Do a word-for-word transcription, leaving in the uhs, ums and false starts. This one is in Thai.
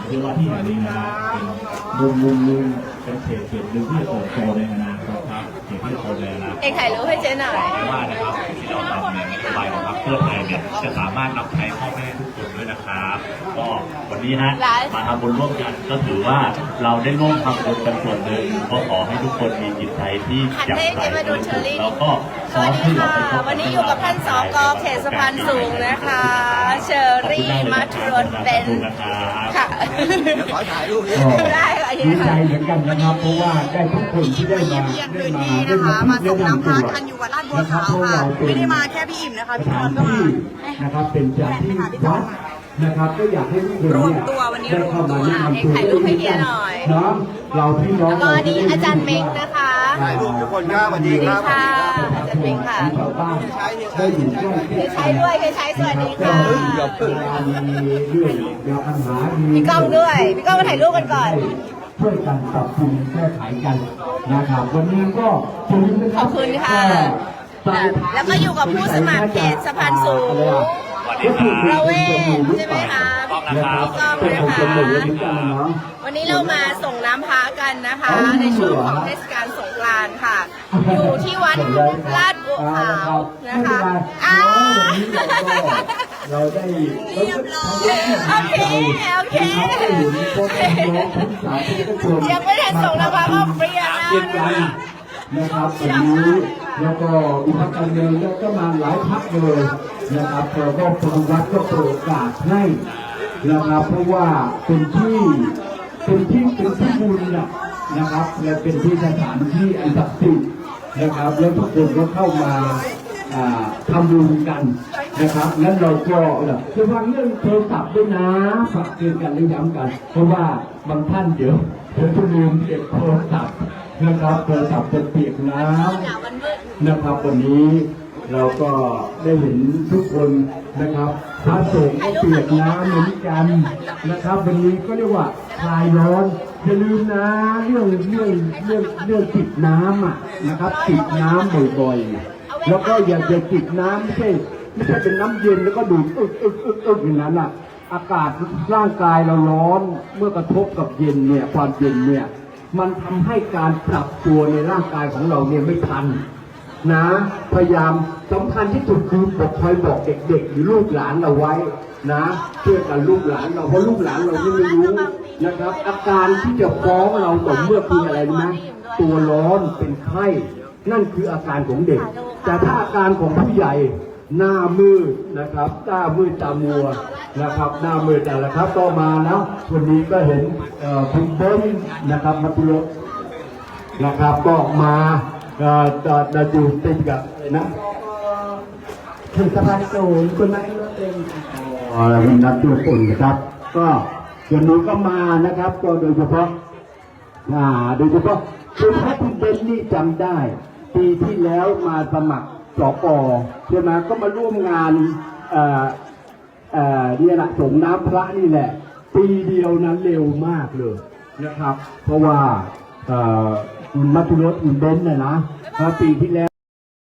ชื่อว่าที่แห่งนี้นะครับเป็นมุมมุมนึงเป็นเขตเขตหนึ่งที่จะเติบโตในอนาคตครับเขตที่จะโตในอนาคตเอกถ่ายรูปให้เจ๊หน่อยว่านะครับที่เราทำเนี่ยนโยบายของพรรคเพื่อไทยเนี่ยจะสามารถนำใช้พ่อแม่ทุกคนด้วยนะครับก็วันนี้ฮะมาทำบุญร่วมกันก็ถือว่าเราได้ร่วมทำบุญกันส่วนหนึ่งก็ขอให้ทุกคนมีจิตใจที่อยากใส่แล้วก็สวัสดีค่ะวันนี้อยู่กับท่านสกเขตสะพานสูงนะคะเชอรี่มัทรสเบนค่ะขอถ่ายรูปได้ค่ะดีใจเหมือนกันนะครับเพราะว่าได้ทุกคนที่ได้มาได้มาได้มามาส่งน้ำพระกันอยู่วัดลาดบัวขาวค่ะไม่ได้มาแค่พี่อิ่มนะคะพี่พรก็มานะครับเป็นจากที่วัดนะครับก็อยากให้ทุกคนเนี่ยได้เข้ามาแนะนำตัวด้วยกันเนาะเราพี่น้องแล้วก็นี่อาจารย์เม้งนะคะถ่ายรูปทุกคนครับสวัสดีครับอาจารย์เม้งค่ะชาวบ้านได้อยู่ใกล้เคยใช้ด้วยเคยใช้สวัสดีค่ะมีเรื่องยาปัญหาพี่ก้องด้วยพี่ก้องมาถ่ายรูปกันก่อนช่วยกันปรับปรุงแก้ไขกันนะครับวันนี้ก็ขอบคุณค่ะแล้วก็อยู่กับผู้สมัครเขตสะพานสูงประเวศใช่ไหมคะพี่ก้องนะคะวันนี้เรามาส่งน้ำพระกันนะคะในช่วงของเทศกาลสงกรานต์ค่ะอยู่ที่วัดลาดบัวขาวนะคะอ้าวเราได้เรียบร้อยโอเคโอเคยังไม่ได้ส่งน้ำพระก็เปรี้ยแล้วนะครับวันนี้แล้วก็มีพรรคการเมืองแล้วก็มาหลายพรรคเลยนะครับเราก็ทางวัดก็โปรดโอกาสให้นะครับเพราะว่าเป็นที่เป็นที่เป็นที่บุญนะนะครับและเป็นที่สถานที่อันศักดิ์สิทธิ์นะครับแล้วทุกคนก็เข้ามาทำบุญกันนะครับนั้นเราก็จะฟังเรื่องโทรศัพท์ด้วยนะฝากเตือนกันและย้ำกันเพราะว่าบางท่านเดี๋ยวเดี๋ยวจะลืมเก็บโทรศัพท์นะครับโทรศัพท์จะเปียกน้ำนะครับวันนี้เราก็ได้เห็นทุกคนนะครับพระสงฆ์ก็เปียกน้ำเหมือนกันนะครับวันนี้ก็เรียกว่าคลายร้อนอย่าลืมนะเรื่องเรื่องเรื่องเรื่องติดน้ำอ่ะนะครับติดน้ำบ่อยๆแล้วก็อย่าจะติดน้ำไม่ใช่ไม่ใช่เป็นน้ำเย็นแล้วก็ดูดอึกอึกอึกอึกอย่างนั้นอ่ะอากาศร่างกายเราร้อนเมื่อกระทบกับเย็นเนี่ยความเย็นเนี่ยมันทำให้การปรับตัวในร่างกายของเราเนี่ยไม่ทันนะพยายามสำคัญที่สุดคือบอกคอยบอกเด็กๆหรือลูกหลานเราไว้นะเชื่อกันลูกหลานเราเพราะลูกหลานเราไม่รู้นะครับอาการที่จะฟ้องเราต่อเมื่อคืออะไรนะตัวร้อนเป็นไข้นั่นคืออาการของเด็กแต่ถ้าอาการของผู้ใหญ่หน้ามืดนะครับหน้ามืดตามัวนะครับหน้ามืดแต่ละครับก็มาแล้ววันนี้ก็เห็นคุณเบิ้ลนะครับมาตุลกนะครับก็มาจะจะอยู่ติดกับนะถึงสะพานสูงคนนั้นก็เป็นอะไรเป็นนักตัวคนนะครับก็วันนี้ก็มานะครับก็โดยเฉพาะอ่าโดยเฉพาะคุณพระคุณเบนนี่จำได้ปีที่แล้วมาสมัครสกใช่ไหมก็มาร่วมงานเอ่อเอ่อเนี่ยแหละส่งน้ำพระนี่แหละปีเดียวนั้นเร็วมากเลยนะครับเพราะว่าเอ่อคุณมัทุรสคุณเบนเนี่ยนะปีที่แล้ว